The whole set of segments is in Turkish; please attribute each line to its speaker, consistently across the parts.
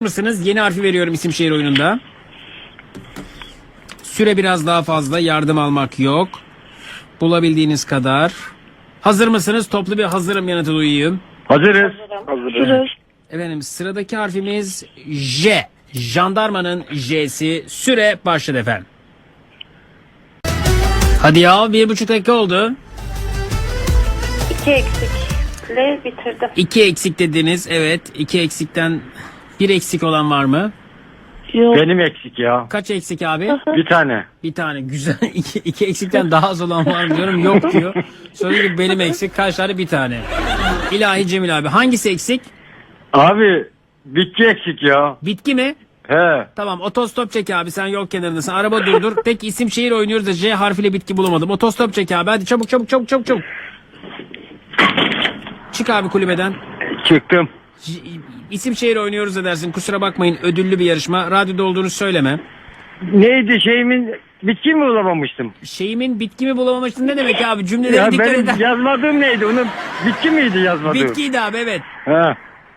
Speaker 1: mısınız? Yeni harfi veriyorum isim şehir oyununda. Süre biraz daha fazla. Yardım almak yok. Bulabildiğiniz kadar. Hazır mısınız? Toplu bir hazırım yanıtı duyayım.
Speaker 2: Hazırız.
Speaker 3: Hazırız.
Speaker 1: Efendim sıradaki harfimiz J. Jandarmanın J'si. Süre başladı efendim. Hadi ya 1,5 dakika oldu.
Speaker 3: 2 eksikle bitirdim.
Speaker 1: 2 eksik dediniz. Evet. 2 eksikten 1 eksik olan var mı?
Speaker 3: Yok.
Speaker 2: Benim eksik ya.
Speaker 1: Kaç eksik abi?
Speaker 2: Bir tane.
Speaker 1: Bir tane. Güzel. 2 eksikten daha az olan var mı diyorum. Yok diyor. Söylediği gibi benim eksik. Kaç tane? Bir tane. İlahi Cemil abi. Hangisi eksik?
Speaker 2: Abi bitki eksik ya.
Speaker 1: Bitki mi?
Speaker 2: He.
Speaker 1: Tamam otostop çek abi, sen yol kenarındasın, araba durdur. Tek isim şehir oynuyoruz da J harfiyle bitki bulamadım. Otostop çek abi, hadi çabuk çabuk çabuk çabuk çabuk. Çık abi kulübeden.
Speaker 2: Çıktım.
Speaker 1: İsim şehir oynuyoruz da dersin, kusura bakmayın, ödüllü bir yarışma. Radyoda olduğunu söyleme.
Speaker 2: Neydi şeyimin bitki mi bulamamıştım?
Speaker 1: Şeyimin bitki mi bulamamıştın ne demek abi, cümleleri
Speaker 2: Ya
Speaker 1: dikkat
Speaker 2: benim
Speaker 1: eder.
Speaker 2: yazmadığım neydi? Onun bitki miydi yazmadığım?
Speaker 1: Bitkiydi abi, evet.
Speaker 2: He.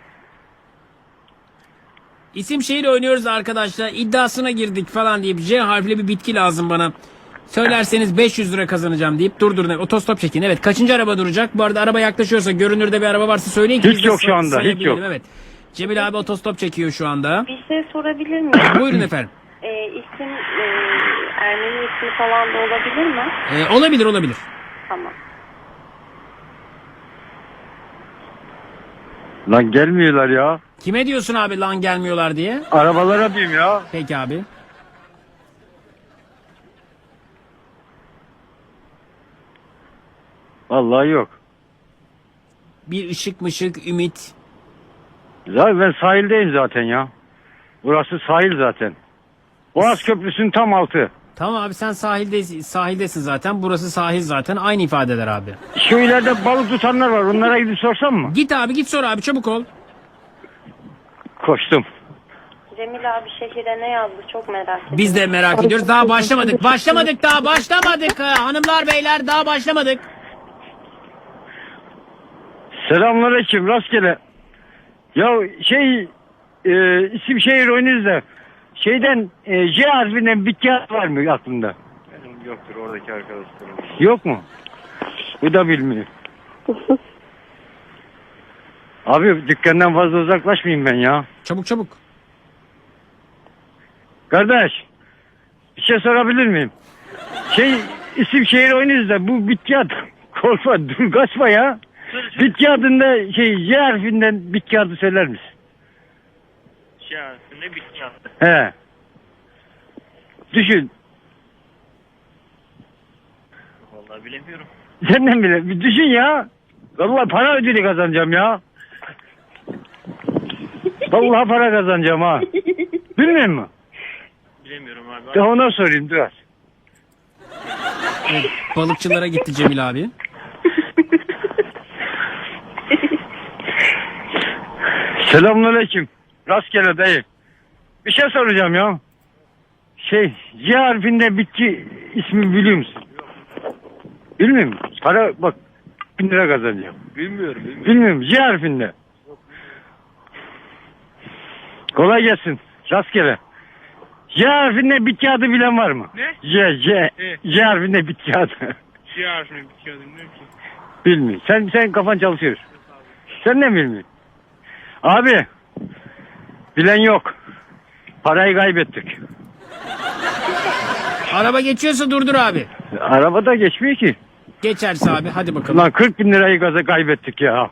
Speaker 1: İsim şehir oynuyoruz arkadaşlar, iddiasına girdik falan deyip J harfli bir bitki lazım bana. Söylerseniz 500 lira kazanacağım deyip durdurun. Otostop çekin. Evet, kaçıncı araba duracak? Bu arada araba yaklaşıyorsa, görünürde bir araba varsa söyleyin ki
Speaker 2: Hiç
Speaker 1: biz de
Speaker 2: yok şu anda, hiç
Speaker 1: sayabilelim.
Speaker 2: yok.
Speaker 1: Evet. Cemil abi otostop çekiyor şu anda.
Speaker 3: Bir şey sorabilir miyim?
Speaker 1: Buyurun efendim.
Speaker 3: İsim Ermeni ismi falan da olabilir mi?
Speaker 1: Olabilir olabilir.
Speaker 3: Tamam.
Speaker 2: Lan gelmiyorlar ya.
Speaker 1: Kime diyorsun abi lan gelmiyorlar diye?
Speaker 2: Arabalara diyeyim ya.
Speaker 1: Peki abi.
Speaker 2: Vallahi yok.
Speaker 1: Bir ışık mışık ümit.
Speaker 2: Zaten ben sahildeyim zaten ya. Burası sahil zaten. Boğaz Köprüsü'nün tam altı.
Speaker 1: Tamam abi, sen sahildesin zaten. Burası sahil zaten. Aynı ifadeler abi.
Speaker 2: Şu ileride balık tutanlar var. Onlara gidip sorsam mı?
Speaker 1: Git abi, git sor abi, çabuk ol.
Speaker 2: Koştum.
Speaker 3: Cemil abi şehire ne yazdı çok merak ediyorum.
Speaker 1: Biz de merak ediyoruz. Daha başlamadık. Daha başlamadık. Hanımlar beyler, daha başlamadık.
Speaker 2: Selamünaleyküm, rastgele. Ya isim şehir oyunuz da şeyden J harfinden bitki var mı aklında?
Speaker 4: Benim yoktur, oradaki arkadaşlarım.
Speaker 2: Yok mu? Bu da bilmiyor. Abi dükkandan fazla uzaklaşmayayım ben ya.
Speaker 1: Çabuk çabuk.
Speaker 2: Kardeş, bir şey sorabilir miyim? İsim şehir oyunuz da bu bitki adı. Korkma, dur kaçma ya. Bitki adında J harfinden bitki adı söyler misin?
Speaker 4: Ne bitki yaptı?
Speaker 2: He. Düşün.
Speaker 4: Vallahi bilemiyorum.
Speaker 2: Senden bile. Bir düşün ya. Vallahi para ödülü kazanacağım ya. Vallahi para kazanacağım ha. Bilmiyor musun?
Speaker 4: Bilemiyorum abi.
Speaker 2: De ona sorayım dur.
Speaker 1: Evet, balıkçılara gitti Cemil abi.
Speaker 2: Selamünaleyküm. Rastgele dayı. Bir şey soracağım ya. C harfinde bitki ismi biliyor musun? Bilmiyor musun? Para bak 1000 lira kazanacağım.
Speaker 4: Bilmiyorum.
Speaker 2: Bilmiyorum. C harfinde. Kolay gelsin. Rastgele. C harfinde bitki adı bilen var mı?
Speaker 4: Ne?
Speaker 2: C harfinde bitki adı.
Speaker 4: Şey harfini bitki adı bilmiyorum ki.
Speaker 2: Bilmiyor. Sen kafan çalışıyor. Sen ne bilmiyorsun? Abi. Bilen yok. Parayı kaybettik.
Speaker 1: Araba geçiyorsa durdur abi.
Speaker 2: Arabada geçmiyor ki.
Speaker 1: Geçerse abi, hadi bakalım.
Speaker 2: Lan 40 bin lirayı gaza kaybettik ya.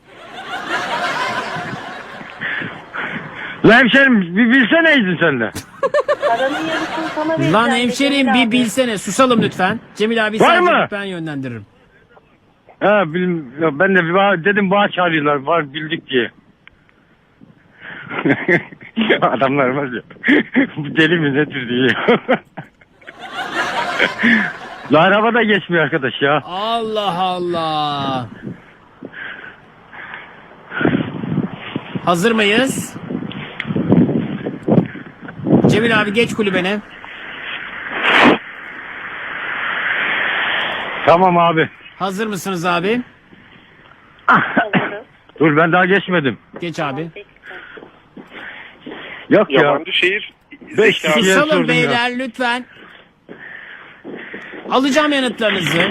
Speaker 2: Lan hemşerim bir bilseneydin sen de.
Speaker 3: Paranın yarısını sana vereceğim.
Speaker 1: Lan
Speaker 3: de
Speaker 1: hemşerim
Speaker 3: Cemil
Speaker 1: bir
Speaker 3: abi.
Speaker 1: bilsene. Susalım lütfen. Cemil abi
Speaker 2: Var
Speaker 1: sadece
Speaker 2: mı?
Speaker 1: ben yönlendiririm.
Speaker 2: Ha ya ben de dedim bağ çağırıyorlar var bildik diye. Adamlar var ya. Bu deli mi nedir diye. La araba da geçmiyor arkadaş ya.
Speaker 1: Allah Allah. Hazır mıyız? Cemil abi geç kulübene.
Speaker 2: Tamam abi.
Speaker 1: Hazır mısınız abi?
Speaker 3: Hazırız.
Speaker 2: Dur ben daha geçmedim.
Speaker 1: Geç abi.
Speaker 2: Yok ya.
Speaker 5: Yabancı şehir.
Speaker 2: Beş
Speaker 5: Zeki abi.
Speaker 2: kişiye
Speaker 1: Susalım
Speaker 2: sordum ya.
Speaker 1: beyler lütfen. Alacağım yanıtlarınızı.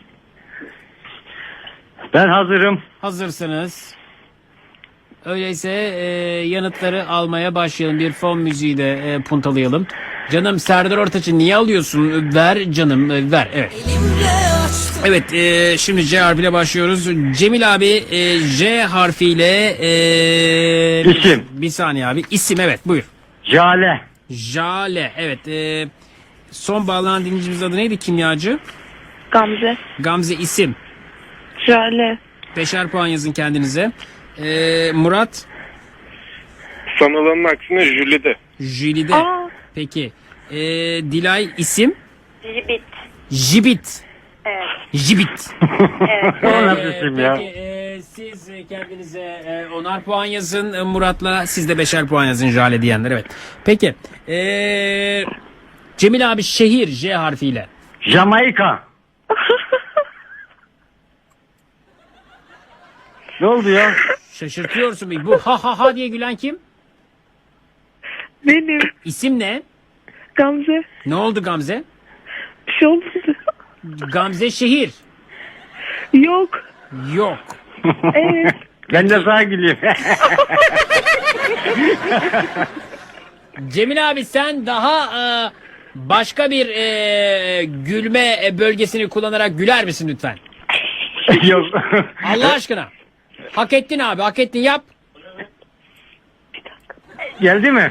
Speaker 2: Ben hazırım.
Speaker 1: Hazırsınız. Öyleyse yanıtları almaya başlayalım. Bir fon müziği de puntalayalım. Canım Serdar Ortaç'ı niye alıyorsun? Ver canım ver. Evet. Evet şimdi C harfiyle başlıyoruz. Cemil abi J harfiyle
Speaker 2: İsim.
Speaker 1: Bir saniye abi. İsim evet buyur.
Speaker 2: Jale.
Speaker 1: Jale evet. Son bağlanan dinleyicimizin adı neydi kimyacı?
Speaker 3: Gamze.
Speaker 1: Gamze isim.
Speaker 3: Jale.
Speaker 1: 5'er puan yazın kendinize. Murat
Speaker 5: Sanılanın aksine Jüli'de.
Speaker 1: Jülide.
Speaker 3: Aa.
Speaker 1: Peki. Dilay isim.
Speaker 3: Jibit.
Speaker 1: Jibit.
Speaker 3: Evet.
Speaker 1: Jibit.
Speaker 2: O nasıl isim ya?
Speaker 1: Peki siz kendinize 10'ar puan yazın. Murat'la siz de 5'er puan yazın Jale diyenler. Evet. Peki. Cemil abi şehir J harfiyle.
Speaker 2: Jamaika. Ne oldu ya?
Speaker 1: Şaşırtıyorsun beni. Bu ha ha ha diye gülen kim?
Speaker 3: Benim.
Speaker 1: İsim ne?
Speaker 3: Gamze.
Speaker 1: Ne oldu Gamze?
Speaker 3: Bir şey olmadı.
Speaker 1: Gamze şehir.
Speaker 3: Yok.
Speaker 1: Yok.
Speaker 3: Evet.
Speaker 2: Ben de sana gülüyorum.
Speaker 1: Cemil abi sen daha başka bir gülme bölgesini kullanarak güler misin lütfen?
Speaker 2: Yok.
Speaker 1: Allah aşkına. Hak ettin abi hak ettin yap.
Speaker 2: Geldi mi?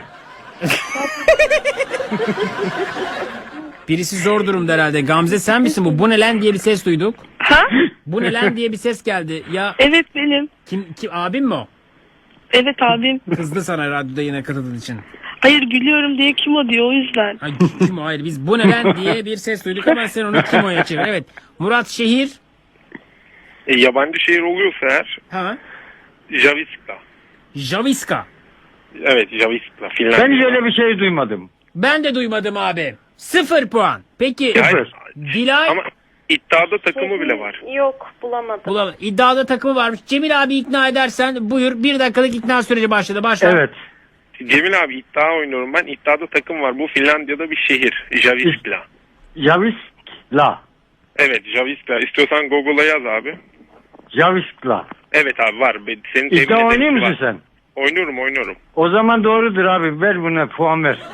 Speaker 1: Birisi zor durumda herhalde. Gamze sen misin bu? Bu ne lan diye bir ses duyduk.
Speaker 3: Ha?
Speaker 1: Bu ne lan diye bir ses geldi. Ya
Speaker 3: Evet benim.
Speaker 1: kim abim mi o?
Speaker 3: Evet abim.
Speaker 1: Kızdı sana radyoda yine katıldığın için.
Speaker 3: Hayır gülüyorum diye kim o diyor o yüzden.
Speaker 1: Ay, kim o? Hayır biz bu ne lan diye bir ses duyduk ama sen onu kim oya çevir. Evet. Murat şehir.
Speaker 5: Yabancı şehir oluyorsa eğer
Speaker 1: Ha.
Speaker 5: Javiska.
Speaker 1: Javiska.
Speaker 5: Evet Javiska. Finlandiya.
Speaker 2: Ben hiç öyle bir şey duymadım.
Speaker 1: Ben de duymadım abi. 0 puan. Peki
Speaker 5: Yani-
Speaker 1: Dilay
Speaker 5: Ama iddiada takımı bile var.
Speaker 3: Yok bulamadım.
Speaker 1: iddiada takımı varmış. Cemil abi ikna edersen buyur. 1 dakikalık ikna süreci başladı. Başla.
Speaker 2: Evet.
Speaker 5: Cemil abi iddia oynuyorum ben. İddiada takım var. Bu Finlandiya'da bir şehir. Javiskla.
Speaker 2: Javiskla.
Speaker 5: Evet Javiskla. İstiyorsan Google'a yaz abi.
Speaker 2: Javiskla.
Speaker 5: Evet abi var. Senin temin
Speaker 2: İddia oynuyor
Speaker 5: ederim
Speaker 2: musun
Speaker 5: var.
Speaker 2: sen?
Speaker 5: Oynuyorum.
Speaker 2: O zaman doğrudur abi. Ver buna puan ver.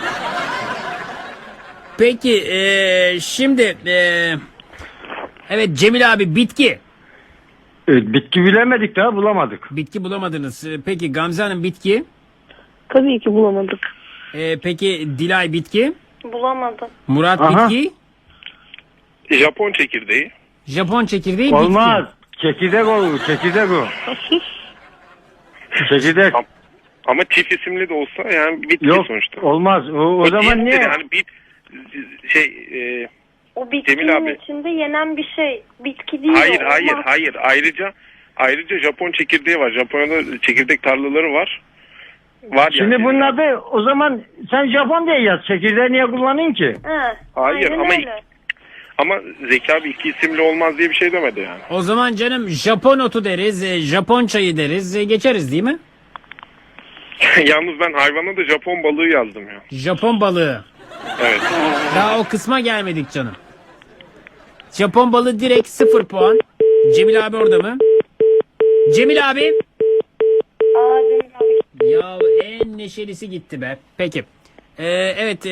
Speaker 1: Peki şimdi evet Cemil abi bitki.
Speaker 2: Bitki bilemedik daha bulamadık.
Speaker 1: Bitki bulamadınız. Peki Gamze Hanım bitki.
Speaker 3: Tabii ki bulamadık.
Speaker 1: Peki Dilay bitki.
Speaker 3: Bulamadım.
Speaker 1: Murat
Speaker 2: Aha.
Speaker 1: bitki.
Speaker 5: Japon çekirdeği.
Speaker 1: Japon çekirdeği
Speaker 2: Olmaz.
Speaker 1: bitki.
Speaker 2: Çekirdek o. Çekirdek o. Çekirdek.
Speaker 5: Ama çift isimli de olsa yani bitki
Speaker 2: Yok
Speaker 5: sonuçta.
Speaker 2: olmaz. O zaman
Speaker 5: değil
Speaker 2: niye?
Speaker 5: de Yani bir şey
Speaker 3: O bitkinin
Speaker 5: Cemil abi.
Speaker 3: içinde yenen bir şey. Bitki değil
Speaker 5: hayır
Speaker 3: o.
Speaker 5: hayır
Speaker 3: Olmaz.
Speaker 5: hayır ayrıca Japon çekirdeği var. Japonya'da çekirdek tarlaları var. Var
Speaker 2: Şimdi
Speaker 5: yani.
Speaker 2: bunun adı o zaman sen Japon diye yaz. Çekirdeği niye kullanayım ki?
Speaker 3: He,
Speaker 5: Hayır,
Speaker 3: aynen
Speaker 5: ama
Speaker 3: öyle.
Speaker 5: Ama Zeki abi iki isimli olmaz diye bir şey demedi yani.
Speaker 1: O zaman canım Japon otu deriz. Japon çayı deriz. Geçeriz değil mi?
Speaker 5: Yalnız ben hayvana da Japon balığı yazdım ya.
Speaker 1: Japon balığı.
Speaker 5: Evet.
Speaker 1: Daha o kısma gelmedik canım. Japon balığı direkt 0 puan. Cemil abi orada mı? Cemil abi.
Speaker 3: Aa, Cemil abi.
Speaker 1: Ya en neşelisi gitti be. Peki. Evet.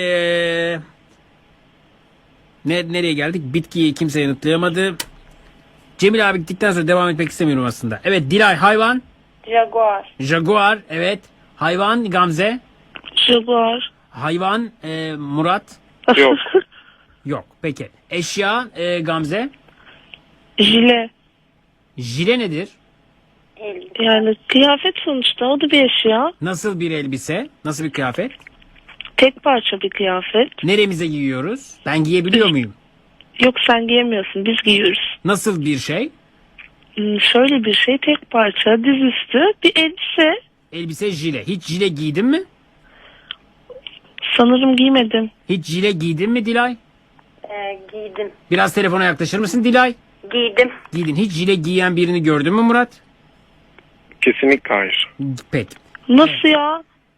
Speaker 1: Nereye geldik? Bitkiyi kimse yanıtlayamadı. Cemil abi gittikten sonra devam etmek istemiyorum aslında. Evet Dilay hayvan.
Speaker 3: Jaguar.
Speaker 1: Jaguar. Evet. Hayvan Gamze.
Speaker 3: Jaguar.
Speaker 1: Hayvan Murat.
Speaker 5: Yok.
Speaker 1: Yok. Peki. Eşya Gamze.
Speaker 3: Jile.
Speaker 1: Jile nedir?
Speaker 3: Yani kıyafet sonuçta o da bir eşya.
Speaker 1: Nasıl bir elbise? Nasıl bir kıyafet?
Speaker 3: Tek parça bir kıyafet.
Speaker 1: Neremize giyiyoruz? Ben giyebiliyor muyum?
Speaker 3: Yok sen giyemiyorsun biz giyiyoruz.
Speaker 1: Nasıl bir şey?
Speaker 3: Şöyle bir şey tek parça dizüstü bir elbise.
Speaker 1: Elbise jile. Hiç jile giydin mi?
Speaker 3: Sanırım giymedim.
Speaker 1: Hiç jile giydin mi Dilay?
Speaker 3: Giydim.
Speaker 1: Biraz telefona yaklaşır mısın Dilay?
Speaker 3: Giydim.
Speaker 1: Giydin. Hiç jile giyen birini gördün mü Murat?
Speaker 5: Kesinlikle hayır.
Speaker 1: Peki.
Speaker 3: Nasıl ya?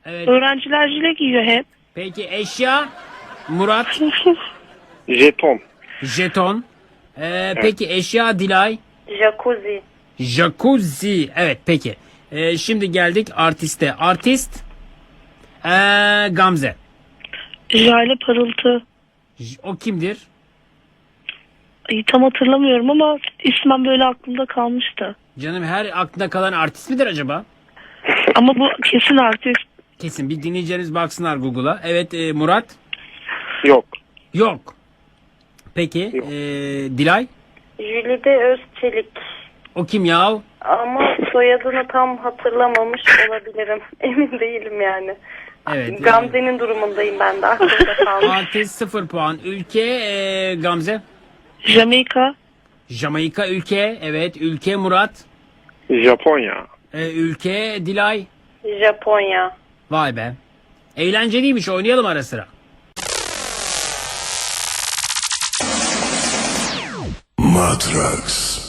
Speaker 1: Evet.
Speaker 6: Öğrenciler jile giyiyor hep.
Speaker 1: Peki eşya? Murat.
Speaker 5: Jeton.
Speaker 1: Jeton. Peki eşya Dilay?
Speaker 3: Jacuzzi.
Speaker 1: Jacuzzi. Evet peki. Şimdi geldik artiste. Artist? Gamze.
Speaker 6: Jale parıltı.
Speaker 1: O kimdir?
Speaker 6: Ay, tam hatırlamıyorum ama ismen böyle aklımda kalmıştı.
Speaker 1: Canım her aklında kalan artist midir acaba?
Speaker 6: Ama bu kesin artist.
Speaker 1: Kesin bir dinleyicileriniz baksınlar Google'a. Evet Murat?
Speaker 5: Yok.
Speaker 1: Yok. Peki
Speaker 5: Yok.
Speaker 1: Dilay?
Speaker 3: Jülide Özçelik.
Speaker 1: O kim yahu?
Speaker 3: Ama soyadını tam hatırlamamış olabilirim. Emin değilim yani.
Speaker 1: Evet.
Speaker 3: Gamze'nin durumundayım ben de, aklımda kalmış.
Speaker 1: Artist 0 puan. Ülke Gamze?
Speaker 6: Jamaika.
Speaker 1: Jamaika ülke. Evet. Ülke Murat.
Speaker 5: Japonya.
Speaker 1: Ülke Dilay.
Speaker 3: Japonya.
Speaker 1: Vay be. Eğlenceliymiş, oynayalım ara sıra.
Speaker 7: Matrax.